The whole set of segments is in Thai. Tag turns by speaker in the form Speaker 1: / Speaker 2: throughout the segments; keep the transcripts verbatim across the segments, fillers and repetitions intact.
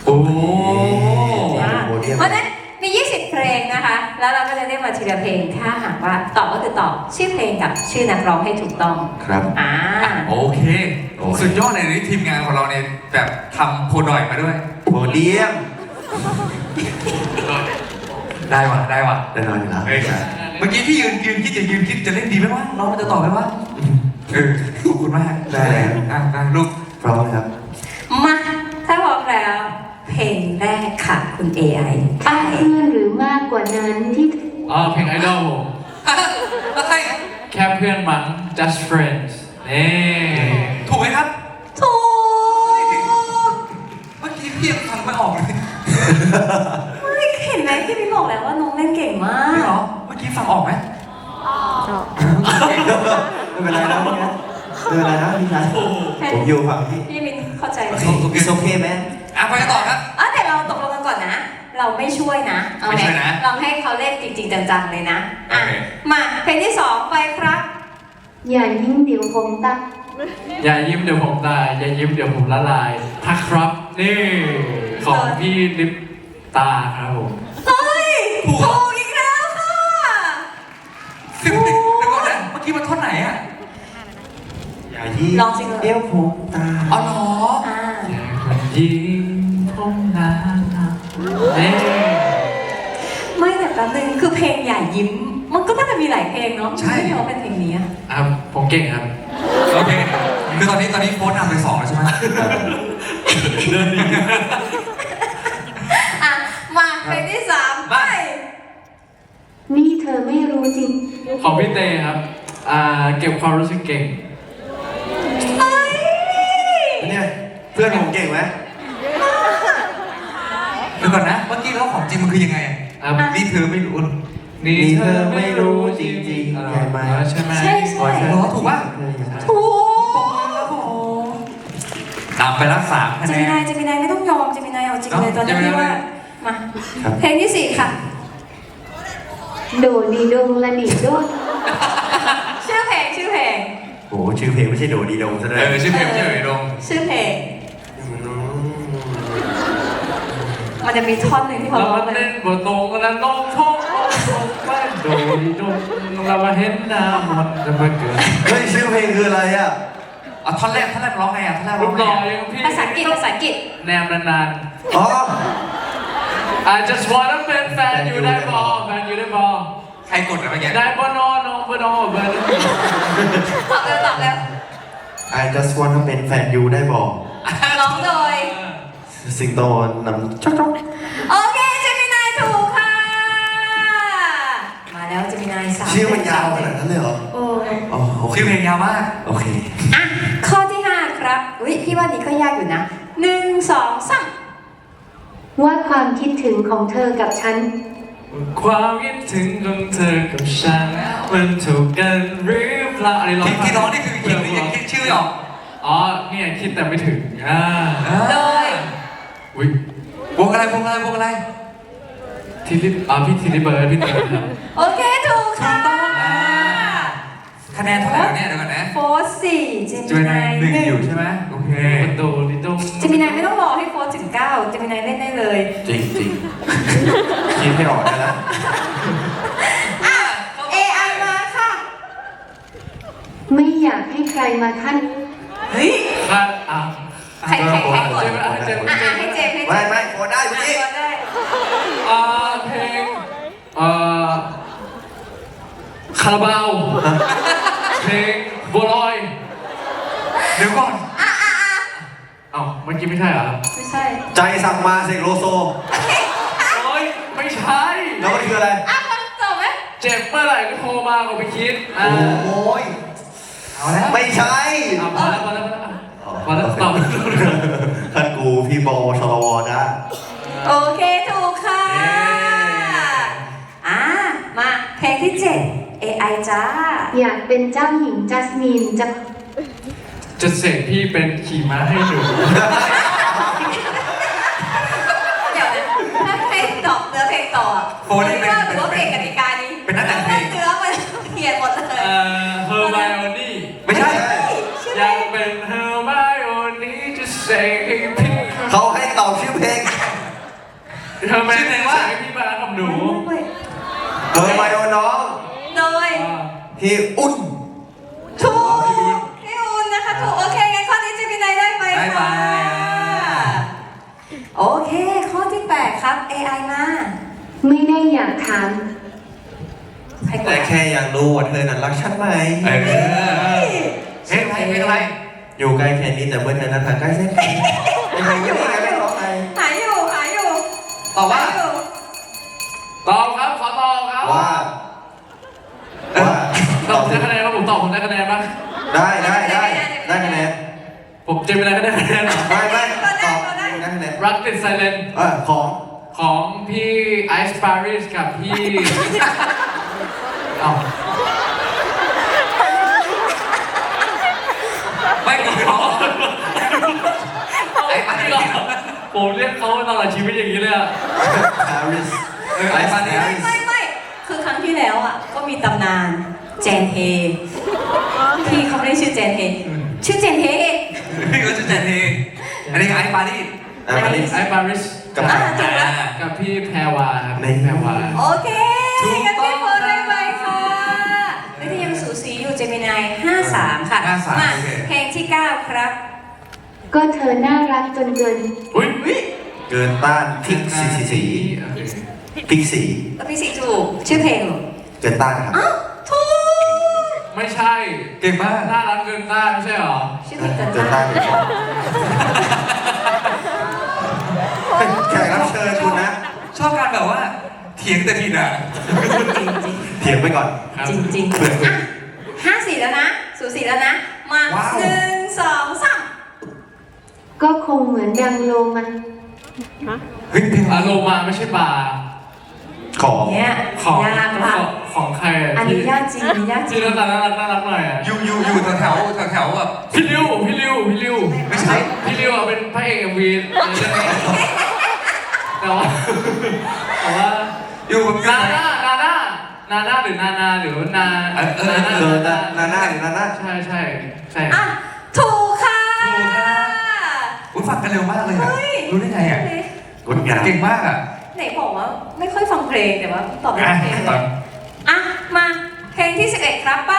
Speaker 1: โอ้
Speaker 2: เพราะฉะนั้นมียี่สิบเพลงนะคะแล้วเราก็จะได้มาทีละเพลงถ้าหากว่าตอบก็คือตอบชื่อเพลงกับชื่อนักร้องให้ถูกต้อง
Speaker 1: ครับ
Speaker 2: อ่า
Speaker 3: โอเคสุดยอดเลยนี่ทีมงานของเราเนี่ยแบบทำโพดอยมาด้วย
Speaker 1: โพเดียม
Speaker 3: ได้ว่ะได้ว่ะ
Speaker 1: แน่นอนอยู่แล้ว
Speaker 3: เมื่อกี้พี่ยืนยืนคิดจะยืนคิดจะเล่นดีไหมวะน้องมันจะตอบไหมวะเออขอบคุณมาก
Speaker 1: ได้แล้ว
Speaker 3: อ่ะลูก
Speaker 1: พร้อมครับ
Speaker 2: มาถ้าพร้อมแล้วเพลงแรกค่ะคุณ เอ ไอ
Speaker 4: เพื่อนหรือมากกว่านั้นที่
Speaker 5: อ๋อเพลงไอดอลผม
Speaker 3: อะไร
Speaker 5: แค่เพื่อนมั้ง just friends นี่
Speaker 3: ถูกไหมครับ
Speaker 2: ถูก
Speaker 3: เมื่อกี้พี่ยังฟังไม่ออกเลย
Speaker 2: ไม่เห็นไหมพี่พี่บอกแล้วว่าน้องเล่นเก่งมาก
Speaker 3: เหรอเมื่อกี้ฟังออกไหม
Speaker 1: ไม่เป็นไรนะพี่นะไม่เป็นไรนะพี่นะผมอยู่ฝั่งพี่
Speaker 2: พี่มินเข้าใจไหม
Speaker 1: It's okay man
Speaker 3: อ่ะไปต่อครับ
Speaker 2: อ๋อแต่เราตกลงกันก่อนนะ เราไม่ช่วยนะเอาไหมเราให้เขาเล่นจริงๆจังๆเลยนะอ่ะมาเพลงที่สองไปครับ
Speaker 4: อย่ายิ้มเดี๋ยวผมตัก
Speaker 5: อย่ายิ้มเดี๋ยวผมตายอย่ายิ้มเดี๋ยวผมละลายทักครับนี่ของพี่ลิปตาครับผม
Speaker 2: เฮ้ยถูกอีกแล้วค่ะ
Speaker 3: สิบสิบเดี๋ยวก่อนนะเมื่อกี้มันท่อนไหนอ่ะ
Speaker 1: อย่ายิ้ม
Speaker 2: ลองสิ
Speaker 1: เดี๋ยวผมตา
Speaker 3: อ๋อเหรอ
Speaker 2: อ่า
Speaker 5: ยิ้มผมนะนี่
Speaker 2: ไม่แต่แป๊บนึงคือเพลงอย่ายิ้มมันก็น่าจะมีหลายเพลงเนาะใช่ไม่ว่าเป็นเพลงนี้
Speaker 5: อ่ะผมเก่งครับ
Speaker 3: โอเคคือตอนนี้ตอนนี้โฟนนำไปสองแล้วใช่ไหม
Speaker 5: เดินดี
Speaker 2: อ่ะมาเพลงที่สามไป
Speaker 4: นี่เธอไม่รู้จริง
Speaker 5: ของพี่เต้ครับอ่าเก็บความรู้สึกเก่ง
Speaker 1: เนี่ยเพื่อนผมเก่งไหม
Speaker 3: เดี๋ยวก่อนนะเมื่อกี้แล้วของจริงมันคือยังไงอ่ะนี่เธอไม่รู้
Speaker 5: นี่เธอไม่รู้จริง
Speaker 1: ๆใช่ไหม
Speaker 5: ใช่ไหม
Speaker 2: ใช่ใช่
Speaker 3: ถูกป่ะ
Speaker 2: ถูก
Speaker 3: ตามไปรักษาคะ
Speaker 2: แนนเจมินายเจมินายไม่ต้องยอมเจมินายเอาจริงเลยตอนนี้ว่ามาเพลงที่สี่ค่ะ
Speaker 4: โดดีดงละดิโด
Speaker 2: ชื่อเพลงชื่อเพลง
Speaker 1: โอ้ชื่อเพลงไม่ใช่โดดีดงซะด้วย
Speaker 3: เออชื่อเพลงชื่อโดดีดง
Speaker 2: ชื่อเพลงมันจะมีท่อนหนึ่งที่เขาร้องเลย
Speaker 5: บทตรงแล้วน้องท้องไม่โดดีดงเรามาเห็นหน้ามันจะมาเกิด
Speaker 1: เฮ้ยชื่อเพลงคืออะไรอ่ะ
Speaker 3: อ่ะท่อนแรกท่อนแรกร้องไงอ่ะท่อนแรกร้อง
Speaker 5: ไง
Speaker 2: ภาษาอังกฤษภาษาอังกฤษ
Speaker 5: แนมนาน
Speaker 1: ๆอ๋อ
Speaker 5: I just wanna เป็นแฟนอยู่ได้บอแฟนอยู่ได้บอ
Speaker 3: ใครกดอะไรเมื่อกี้
Speaker 5: ได้บอนอนองบอนอเบอร์
Speaker 2: ตอบแล้วตอบแล้ว
Speaker 1: I just wanna เป็นแฟนยูได้บอก
Speaker 2: ร้องโดย
Speaker 1: สิงโตนำจ๊อกจ๊อก
Speaker 2: โอเคเจมินายถูกค่ะมาแล้วเจมินายสาม
Speaker 1: ชื่อมันยาวขนาดนั้นเลยเหรอ
Speaker 2: โอ้
Speaker 1: โอเค
Speaker 3: ชื่อเพลงยาวมาก
Speaker 1: โอเค
Speaker 2: อ่ะข้อที่ห้าครับอุ้ยพี่ว่านี้ก็ยากอยู่นะหนึ่งสองสาม
Speaker 4: ว่าความคิดถึงของเธอกับฉัน
Speaker 5: ความคิดถึงของเธอกับฉันมันถูกกันหรือเปล่าอะไรร้อง
Speaker 3: ที่ร้องนี่คือคิดหรือยังคิดชื่อหรอ
Speaker 5: อ๋อเนี่ยคิดแต่ไม่ถึงอ่า
Speaker 2: โดย
Speaker 5: อุ้ยว
Speaker 3: งอะไรวงอะไรวงอะไร
Speaker 5: ทีลิปอ่าพี่ทีลิเบิร์ดพี่เติร์ดครับ
Speaker 2: โอเคถูกค่ะ
Speaker 3: คะแนนเท่าไหร่เนี่ยเดี๋ยวก่อนนะ
Speaker 2: โฟร์สี่เจมินาย
Speaker 3: หนึ่งอยู่ใช่ไหมโอเค
Speaker 5: โดลิโด
Speaker 2: เจมินายไม่ต้องรอให้โฟร์ถึงเก้าเจมินายเล่นได้เลย
Speaker 1: จริงจริงคิดไม่ออกได้แล้ว
Speaker 2: อ่ะ เอ ไอ มาค่ะ
Speaker 4: ไม่อยากให้ใครมาขั้น
Speaker 2: เฮ้ย
Speaker 5: ขั้นอ่ะ
Speaker 2: ใครใครใครกด
Speaker 5: อ่ะ
Speaker 2: ให้เจมให้เจม
Speaker 1: ไม่ไม่กดได้เมื่อกี้
Speaker 5: อ่าเพลงอ่าคาราบาวเพลงบัวลอย
Speaker 3: เดี๋ยวก่อน
Speaker 2: อ่ะอ่ะอ่ะ
Speaker 5: เอ้าเมื่อกี้ไม่ใช่เหรอ
Speaker 2: ไม่ใช่
Speaker 1: ใจสั่งมาเสกโลโซ
Speaker 5: โอ้ยไม่ใช่
Speaker 1: แล้วมันคืออะไร
Speaker 2: อ่ะมันจบไหม
Speaker 5: เจ็บเมื่อไหร่ก็โทรมาก็ไปคิด
Speaker 1: โอ้ยเอาแล้วไม่ใช่
Speaker 5: เอาพอแล้วพอแล้วพอแล้วตอบ
Speaker 1: ท่านกูพี่บอชลวจ้า
Speaker 2: โอเคถูกค่ะอ่ะมาเพลงที่เจ็ด เอ ไอ จ้า
Speaker 4: อยากเป็นเจ้าหญิงจัสมินจะ
Speaker 5: จะเสกพี่เป็นขี่ม้าให้หนู
Speaker 2: เดี๋ยวนะถ้าเพลงต่อเนื้อเพลงต่อ
Speaker 3: โฟนนี่เป็น
Speaker 2: ถือว่าเพลงกติกานี้
Speaker 3: เป็นนักแต่งเพลง
Speaker 2: เนื้อมันเขียนหมดเลย
Speaker 5: เอ่อเฮอร์ไมโอนี่
Speaker 3: ไม่ใช่
Speaker 5: อยากเป็นเฮอร์ไมโอนี่จะเสกให้พี่
Speaker 1: เขาให้ตอบชื่อเพลง
Speaker 5: ธอแม่
Speaker 3: ชื่อเพลงว่า
Speaker 5: ให้พี่มารักกับหนู
Speaker 1: เบอร์ไมโอน้อง
Speaker 2: โดย
Speaker 5: อ่า
Speaker 1: พี่อุ่น
Speaker 2: ถูกพี่อุ่นนะคะถูกโอเคงั้นข้อนี้เจมินายได้ไป
Speaker 3: ได้ไป
Speaker 2: ค่ะโอเค ข้อที่แปดครับ เอ ไอ มา
Speaker 4: ไม่ได้อยากถาม
Speaker 2: ใครก
Speaker 1: แต่
Speaker 2: ด
Speaker 1: แค่อยากรู้ว่าเธอนั้นรักฉันไหม
Speaker 3: เออเพลงอะไรเพลงอะไร
Speaker 1: อยู่ไกลแค่นี้แต่เมื่อเธอนั้นทางใกล้เส้นไม่ใช่ยังไงไม่ร้องไง
Speaker 2: หายอยู่หายอยู่
Speaker 3: ตอบว่า
Speaker 2: หายอยู่
Speaker 5: ตอบครับขอตอบครับ
Speaker 1: ว่าว่า
Speaker 5: ตอบผมได้คะแนนป่ะผมตอบผมได้คะแนนป่ะ
Speaker 1: ได้ได้ได้ได้คะแนน
Speaker 5: ผมเจมินายก็ได้คะแนน
Speaker 1: ไม่ไม่ตอบได้คะแนน
Speaker 5: รักติดไซเลน
Speaker 1: เออของ
Speaker 5: ของพี่ไอซ์ปาริสกับพี่เอ้า
Speaker 3: ไม่เกี่ยวไอ้ปาริส
Speaker 5: ผมเรียกเขาตลอดชีวิตอย่างนี้เลยอะ
Speaker 1: ปาริส
Speaker 3: เออไอ้ปาริส
Speaker 2: ไม่ไม่ไม่คือครั้งที่แล้วอ่ะก็มีตำนานแจนเฮพี่เขาไม่ได้ชื่อแจนเฮชื่อแจนเฮเอง
Speaker 3: พี่ก็จะแจนเองอันนี้ไอ้ปาริส
Speaker 1: อ่ะปาริส
Speaker 5: ไอซ์ปาริส
Speaker 1: กับ
Speaker 2: อ่าถูกแล้ว
Speaker 5: กับพี่แพรวาครับพี่แพรวา
Speaker 2: โอเคงั้นพี่โพสได้ไปค่ะแล้วที่ยังสูสีอยู่เจมินายห้าสามค่ะ
Speaker 3: ห้าสาม
Speaker 2: มา
Speaker 3: โอเค
Speaker 2: เพลงที่เก้าครับ
Speaker 4: ก็เธอน่ารักจนเกิน
Speaker 5: อุ้ย
Speaker 1: เกินต้านพริกสีสีสี
Speaker 5: โอเค
Speaker 1: พริกสี
Speaker 2: แล้วพี่สิถูกชื่อเพลงเหรอ
Speaker 1: เกินต้านครับ
Speaker 2: อ้าวถูก
Speaker 5: ไม่ใช่
Speaker 3: เก่งมาก
Speaker 5: น่ารักเกินต้านไม่ใช่หรอ
Speaker 2: ชื่อเพลงเกิน
Speaker 1: เกิน
Speaker 2: ต้า
Speaker 1: ต้าน นเลยแขกรับเชิญคุณนะ
Speaker 3: ชอบการแบบว่าเถียงแต่ผิดอ่ะ
Speaker 2: จริงจริง
Speaker 1: เถียงไปก่อน
Speaker 5: ครับ
Speaker 2: จริงจริง
Speaker 1: เผื่อ
Speaker 2: อ่ะห้าสี่แล้วนะสูสีแล้วนะ มา
Speaker 3: ว้าว
Speaker 2: หนึ่งสองสาม
Speaker 4: ก็คงเหมือนดังโลมัน
Speaker 3: เฮ้ยเพลง
Speaker 5: อารมณ์มาไม่ใช่บาร์
Speaker 1: ของ
Speaker 2: เนี่ย
Speaker 5: ของ
Speaker 2: ยากละ
Speaker 5: ของใครอะ
Speaker 2: อัน
Speaker 5: ที่
Speaker 2: นี้ยากจริงอันนี้ยากจริ
Speaker 5: ที่
Speaker 2: ง
Speaker 5: หน้าตาน่ารักน่ารักหน่อยอะ
Speaker 3: อยู่อยู่อยู่แถวแถวแถวแถวแบบ
Speaker 5: พี่ริวพี่ริวพี่ริว
Speaker 3: ไม่ใช่
Speaker 5: พี่ริวอะเป็นพระเอกเอ็มวีในเรื่องนี้แต่ว่าแต่ว่า
Speaker 3: อยู่แบบ
Speaker 5: นาน่านาน่านาน่าหรือนานาหรือนา
Speaker 3: เออเออ
Speaker 5: นา
Speaker 1: เกิน
Speaker 5: น่า
Speaker 1: ต้านนาหน้าหรือนาหน้า
Speaker 5: ใช่ใช่ใช่
Speaker 2: อ่ะถูกค่ะ
Speaker 3: ถูกค่ะ อุ้ยฟังกันเร็วมากเลยอะ
Speaker 2: เฮ้ย
Speaker 3: รู้ได้ไงอ่ะ
Speaker 1: งดงาม
Speaker 3: เก่งมากอ่ะ
Speaker 2: ไหนบอกว่าไม่ค่อยฟังเพลงแต่ว่าตอบไม่
Speaker 3: อ่ะ
Speaker 2: ได้เพลง
Speaker 3: ต
Speaker 2: เล
Speaker 3: อน
Speaker 2: ยอ่ะมาเพลงที่สิบเอ็ดครับไป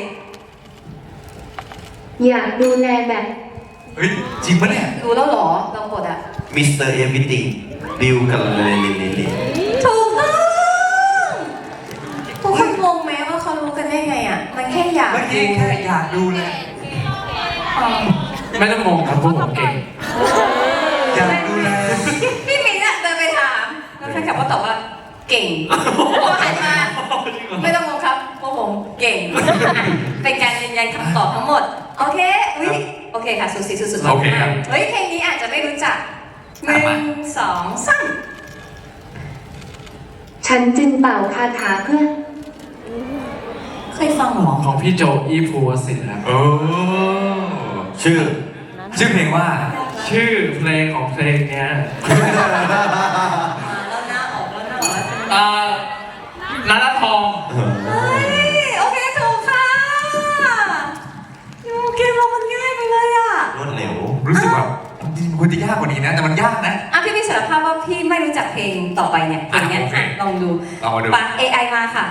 Speaker 4: อยากดูแลแบบ
Speaker 3: เฮ้ยจริงปะเนี่ย
Speaker 2: รู้แล้วเหรอลองกดอ่ะ
Speaker 1: มิสเตอร์เอวิติงดิวกันเลยเลยเลยเลย
Speaker 2: ถูกต้องทุกคนงงไหมว่าเขารู้กันได้ไงอ่ะ มันแค่อยาก
Speaker 3: เมื่อกี้แค่อยากดูเลย
Speaker 2: อ๋อ
Speaker 5: ไม่ต้องงงครับพวกผมเก่ง
Speaker 3: อยากดูแล
Speaker 2: พี่มิ้นท์อะเดินไปถามแล้วแฟนคลับก็ตอบว่าเก่งพอหันมาไม่ต้องงงครับพวกผมเก่ง เป็นการยืนยันคำตอบทั้งหมด โอเคอุ้ยโอเคค่ะสุดสีสุดๆ
Speaker 3: โอเคครับ
Speaker 2: เฮ้ยเพลงนี้อาจจะไม่รู้จักหนึ่งสองสาม
Speaker 4: ฉันจึงเป่าคาถาเพื่อ
Speaker 2: เคยฟังเหรอ
Speaker 5: ของพี่โจอีภูวสิทธิ์ครับ
Speaker 3: โอ้
Speaker 1: ชื่อ
Speaker 3: ชื่อเพลงว่า
Speaker 5: ชื่อเพลงของเพลงเนี้ย
Speaker 2: มาแล้วหน้าออกแล้วหน้าออกแล้ว
Speaker 5: อ่านานาทอง
Speaker 2: เฮ้ยโอเคถูกค่ะยูเกมเรามันง่ายไปเลยอ่ะ
Speaker 1: รวดเร็ว
Speaker 3: รู้สึกแบบจริงๆควรจะยากกว่านี้นะ แต่มันยากนะ
Speaker 2: อ่ะพี่พี่สารภาพว่าพี่ไม่รู้จักเพลงต่อไปเนี่ยเพลงเนี้ย
Speaker 3: อ่ะโอเค
Speaker 2: อ่ะลองดู
Speaker 3: ลองมาดู
Speaker 2: ปะ เอ ไอ มาค่ะ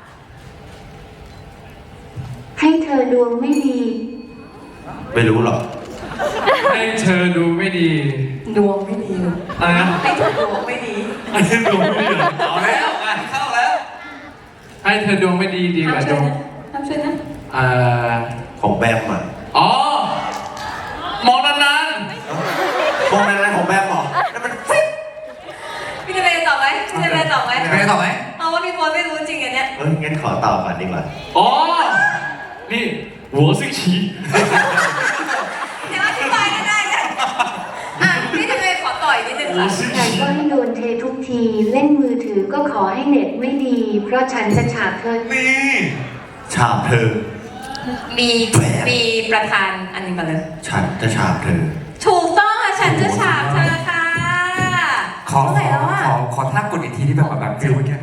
Speaker 4: ให้เธอดวงไม่ดี
Speaker 1: ไม่รู้หรอก
Speaker 5: ให้เธอดูไม่ดี
Speaker 2: ดวงไม่ดีเลย
Speaker 5: อะไรนะ
Speaker 2: ให้เธอดวงไม่ดี
Speaker 5: ให้เธอดวงไม่ดีเหรอ
Speaker 3: เอาแล้วงานเข้าแล้ว
Speaker 5: ให้เธอดวงไม่ดีดีก
Speaker 2: ห้าม
Speaker 5: ว่าด
Speaker 2: ช่ว
Speaker 5: วย ง
Speaker 2: นะห้ามช่วยนะ
Speaker 5: อ่า
Speaker 1: ของแบมอ่ะ
Speaker 5: อ๋อมองนาน
Speaker 1: พวกนั้นอะไรของแบมเหรอนั่นมันฟิป
Speaker 2: พี่จะไปตอบไหมพี่จะไปตอบไหม
Speaker 3: ไม่ได้ตอบไหม
Speaker 2: เอาว่าพี่โฟนไม่รู้จริงอันเนี้ย
Speaker 1: เอ้ยงั้นขอตอบก่อนดีกว่า
Speaker 5: ๆอ๋อนี่หัวซิกชี
Speaker 2: เดี๋ยวอธิบายก็ได้นะอ่ะพี่จะไปขอต่อยนิดนึง
Speaker 5: หัว
Speaker 2: ค่ะ
Speaker 5: ซิก
Speaker 4: แต่
Speaker 5: ชี
Speaker 4: ก็ให้โดนเททุกที เล่นมือถือก็ขอให้เน็ตไม่ดี เพราะฉันจะฉาบเธอ
Speaker 3: นี่
Speaker 1: ฉาบเธอ
Speaker 2: มีมีประธานอันนี้มาเลย
Speaker 1: ฉันจะฉาบเธอ
Speaker 2: ถูกต้องค่ะฉันจะฉาบเธอค่ะ
Speaker 3: ขอ
Speaker 2: เท่าไหร่แล้วอ่ะ
Speaker 3: ขอขอท่ากดอีกทีที่แบบแบบฟิลเมื่อกี้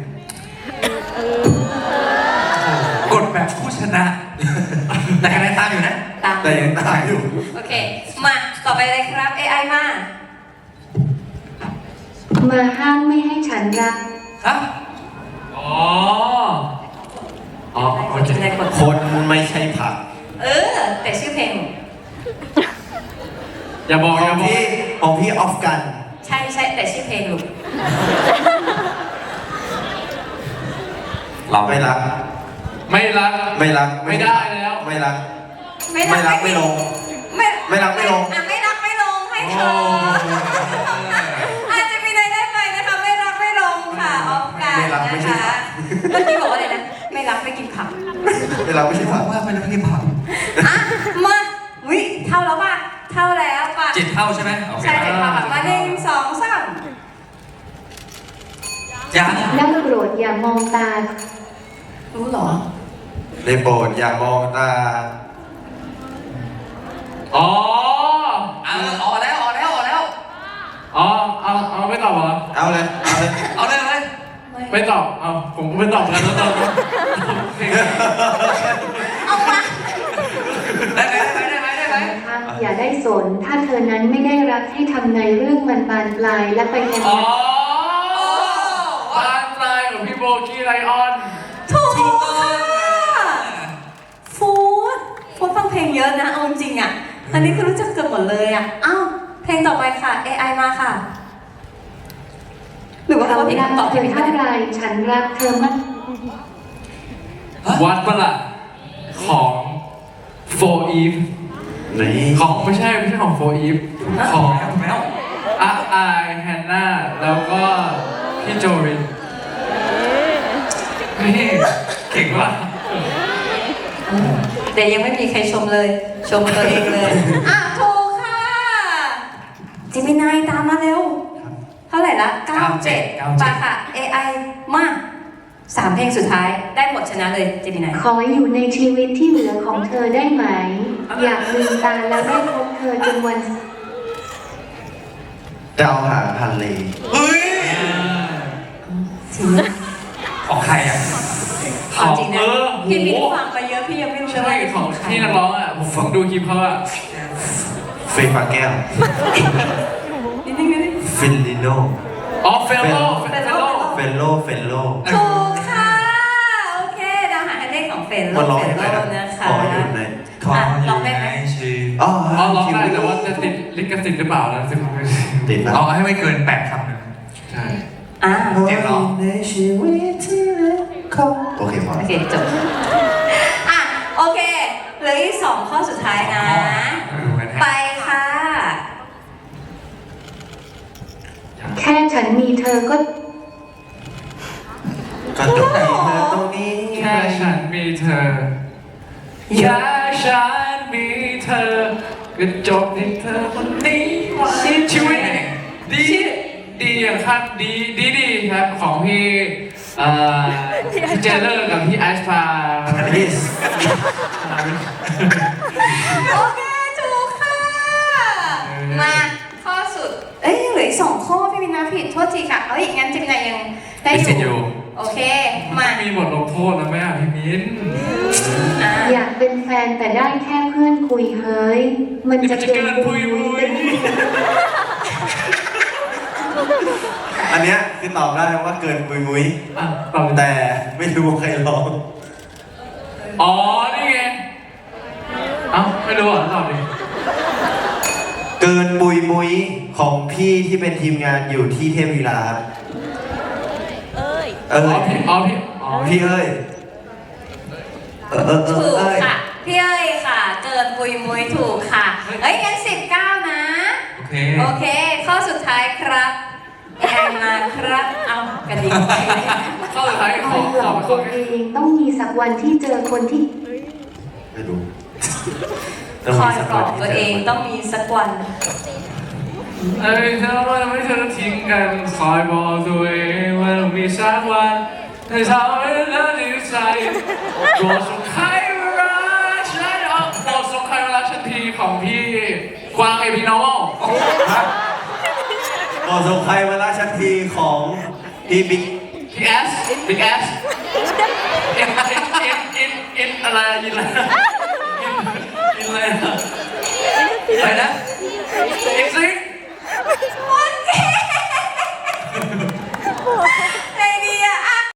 Speaker 3: กดแบบผู้ชนะ แต่คะแนนตามอยู่นะ
Speaker 2: ตาม
Speaker 1: แต่ยังตายอยู่
Speaker 2: โอเค มาต่อไปเลยครับ เอ ไอ มา
Speaker 4: มาห้ามไม่ให้ฉันรัก
Speaker 3: ฮะ
Speaker 5: อ๋อ อ๋อ
Speaker 2: ได้
Speaker 5: โอ
Speaker 2: คน
Speaker 5: เค
Speaker 2: ได้คน
Speaker 1: คนไม่ใช่ผัก
Speaker 2: เออ แต่ชื่อเพลง
Speaker 5: อย่าบอก
Speaker 1: ข
Speaker 5: อ
Speaker 1: อย่าง
Speaker 5: บอก
Speaker 1: พี่ของพี่ออฟกัน
Speaker 2: ใช่ใช่แต่ชื่อเพลงลูก
Speaker 3: เรา
Speaker 1: ไม่รัก
Speaker 5: ไม่รัก
Speaker 1: ไม่รัก
Speaker 5: ไม่ได้แล้ว
Speaker 1: ไม่รัก
Speaker 2: ไม่
Speaker 1: ไม่รักไม่ลง
Speaker 2: ไม่
Speaker 1: ไม่รักไม่ลง
Speaker 2: อ่ะไม่รักไม่ลงให้เธออาจจะมีในได้ไปนะคะไม่รักไม่ลงค่ะออฟกัน
Speaker 1: ไม่รักไม่
Speaker 2: นะ
Speaker 1: ใช่
Speaker 2: คะเมื่อกี้บอกว่าอะไรนะไม่รักไม่กินผัก
Speaker 1: ไม่รักไม่ใช่
Speaker 3: บ
Speaker 1: ผั
Speaker 3: อก
Speaker 1: ก
Speaker 3: ว่าเป็นพี่ผัก
Speaker 2: อ่ะมาวิเท่าแล้วป่ะเท่าแล้วป่ะ
Speaker 3: เจ็ดเท่าใช่ไหมโอเค
Speaker 2: ใช่เจ็ดเท่าค่ะมาหนึ่งสองสาม
Speaker 3: ยัง
Speaker 4: ได้โปรดอย่ามองตา
Speaker 2: รู้เหรอ
Speaker 1: ในโปรดอย่ามองตา
Speaker 5: อ๋อ
Speaker 3: เออออกแล้วออกแล้วออกแล้ว
Speaker 5: อ๋อ เอา เอาไม่ตอบเหรอ
Speaker 1: เอาเลย เอาเลย
Speaker 3: เอาเลยเอาเลย
Speaker 5: ไม่ตอบ เอาผมก็ไม่ตอบกันแล้วตอบเพลง
Speaker 2: เอามา
Speaker 3: ได้ไหมได้ไหมได้ไหมได้ไหม
Speaker 4: นะคะอย่าได้สน ถ้าเธอนั้นไม่ได้รักให้ทำในเรื่องมันบานปลายและไปแทน
Speaker 5: อ๋อบ้านปลายของพี่โบกี้ไลออน
Speaker 2: ถูกค่ะฟูดฟูดฟังเพลงเยอะนะเอาจริงๆอ่ะอันนี้คือรู้จักเกือบหมดเลยอ่ะอ้าวเพลงต่อไปค่ะ เอ ไอ มาค่ะ หรือว่า
Speaker 4: เขา
Speaker 2: เขาผิด
Speaker 4: รัก
Speaker 2: คำตอบ
Speaker 4: เธ
Speaker 2: ที่
Speaker 4: อ
Speaker 2: ผิด
Speaker 4: เท่าไรฉันรักเธอมาก
Speaker 5: วัดประหลาดของโฟอีฟ
Speaker 1: นี่
Speaker 5: ของไม่ใช่ไม่ใช่ของโฟอีฟของ
Speaker 3: แล้วถูกแล้ว
Speaker 5: อาอายแฮนนาแล้วก็พี่โจรินนี่เก่งว่ะ
Speaker 2: แต่ยังไม่มีใครชมเลย ชมตัวเองเลย อ่ะถูกค่ะจิมินายตามมาเร็ว เท่าไหร่ละเก้าเจ็ดไปค่ะ เอ ไอ มาสามเพลงสุดท้ายได้หมดชนะเลยจิมินาย
Speaker 4: ขออยู่ในชีวิตที่เหลือของเธอได้ไหม อยากลืมตาแล้วได้พบเธอจนวัน
Speaker 1: ดาวหางฮันเล
Speaker 3: เฮ้ย
Speaker 2: จริง
Speaker 3: ของใครอ่ะ
Speaker 2: เอาจริงนะ
Speaker 5: เออ
Speaker 2: พี่มิ้น
Speaker 5: โห
Speaker 2: ฟังไปเยอะพี่ยังไม่รู้เลย
Speaker 5: ใช่
Speaker 2: ว่า
Speaker 5: ของที่นักร้องอ่ะ ผมฟังดูคลิปเขาอ่ะ
Speaker 1: เฟย์ฟ้าแก้ว
Speaker 2: นิดนึงนิดนึง
Speaker 1: ฟินลิโน
Speaker 5: อ๋อเฟลโลเฟลโล
Speaker 1: เฟลโล เฟลโล
Speaker 2: ถูกค่ะ โอเคดาวหางเลขของเฟนโล
Speaker 1: มันร้อง
Speaker 2: เฟ
Speaker 1: ยัง
Speaker 2: น
Speaker 1: ไง
Speaker 2: โล
Speaker 1: นะ
Speaker 2: นะคะ
Speaker 1: ขออยู่ใน
Speaker 3: ขอ
Speaker 2: อ่ะ
Speaker 3: อ
Speaker 2: ลอยู่ งได้ไหม
Speaker 3: ในชีวิต
Speaker 1: อ๋อ
Speaker 5: อ๋อร้องได้แต่ว่าจะติดลิขสิทธิ์หรือเปล่านะซึ่ง
Speaker 1: ติดนะ
Speaker 3: เอาให้ไม่เกินแปดคำหนึ่ง
Speaker 5: ใช่
Speaker 2: อ่า
Speaker 3: เจ็บเหรอ
Speaker 1: ในชีวิตที่เหลือของโอเคพอ
Speaker 2: โอเคจบอ่ะโอเคเหลืออีกสองข้อสุดท้ายนะ ไปค่ะ
Speaker 4: แค่ฉันมีเธอก็
Speaker 1: ก็จบที่เธอตรงนี้
Speaker 5: แค่ฉันมีเธอแค่ฉันมีเธอก็จบที่เธอคนนี้ว่าชีวิตดีดีอย่างครับดีดีดีครับของพี่เอ่อพี่เจเลอร์กับพี่ไอซ์พา
Speaker 1: นี่
Speaker 2: โอเคถูกค่ะ มาข้อสุด เอ้ยเหลืออีกสองข้อพี่มินาผิดโทษทีค่ะ เอ้ยงั้นจิมินายังได้
Speaker 3: มีสิทธิ์
Speaker 2: อ
Speaker 3: อยู่
Speaker 2: ยู่ โอเค มา
Speaker 5: มีบทลงโทษนะแม่พี่มิ้น
Speaker 2: อ่ะ
Speaker 4: อยากเป็นแฟนแต่ได้แค่เพื่อนคุยเฮ้ย มันจะเกินปุยมุยเป็นที่
Speaker 1: อันเนี้ยคือตอบได้ว่าเกินมุยมุย
Speaker 5: อ่ะตอบเลย
Speaker 1: แต่ไม่รู้ว่าใครร้อง
Speaker 5: อ๋อ นี่ไง เอ้า ไม่รู้อ่ะตอบดิ
Speaker 1: เกินมุยมุยของพี่ที่เป็นทีมงานอยู่ที่เทพวีลาครับเอ้ย
Speaker 5: อ๋อพี่อ๋อพี่อ๋อ
Speaker 1: พี่เอ้ย เออเออเอ
Speaker 2: ถู
Speaker 1: อก เอ้ย
Speaker 2: ค่ะ พี่เอ้ยค่ะ เกินปุยมุยถูกค่ะ เอ้ยงั้นสิบเก้านะ
Speaker 3: โอเค
Speaker 2: โอเค ข้อสุดท้ายครับเอไอมาครับ เอากระดิ่งไป
Speaker 5: ข้อสุดท้าย
Speaker 4: ค
Speaker 5: ข
Speaker 4: อ
Speaker 5: อย
Speaker 4: หล
Speaker 5: ขอ
Speaker 4: อก
Speaker 5: ข
Speaker 4: ตั
Speaker 5: อ
Speaker 4: วเองต้องมีสักวันที่เจอคนที่
Speaker 1: ไม่รู้
Speaker 2: คอยปลอบตัวเองต้องมีสักวัน
Speaker 5: เอ้ยเธอว่าไม่เธอทิ้งกัน คอยบอกตัวเองว่าต้องมีสักวันให้ทำให้เธอดีใจโปรดส่งใครมารักฉันเอาโปรดส่งใครมารักฉันทีของพี่กวางเอพีโนวล
Speaker 1: ก่อนส่งใครมาล่าชักทีของพี่บิ๊ก
Speaker 5: พี่แอสบิ๊กแอสเอ็นเอ็นเอ็นเอ็นเอ็นอะไรยินอะไรยินอะไรนะ
Speaker 3: อะไรนะ
Speaker 5: เอ็นซิง
Speaker 2: ว้า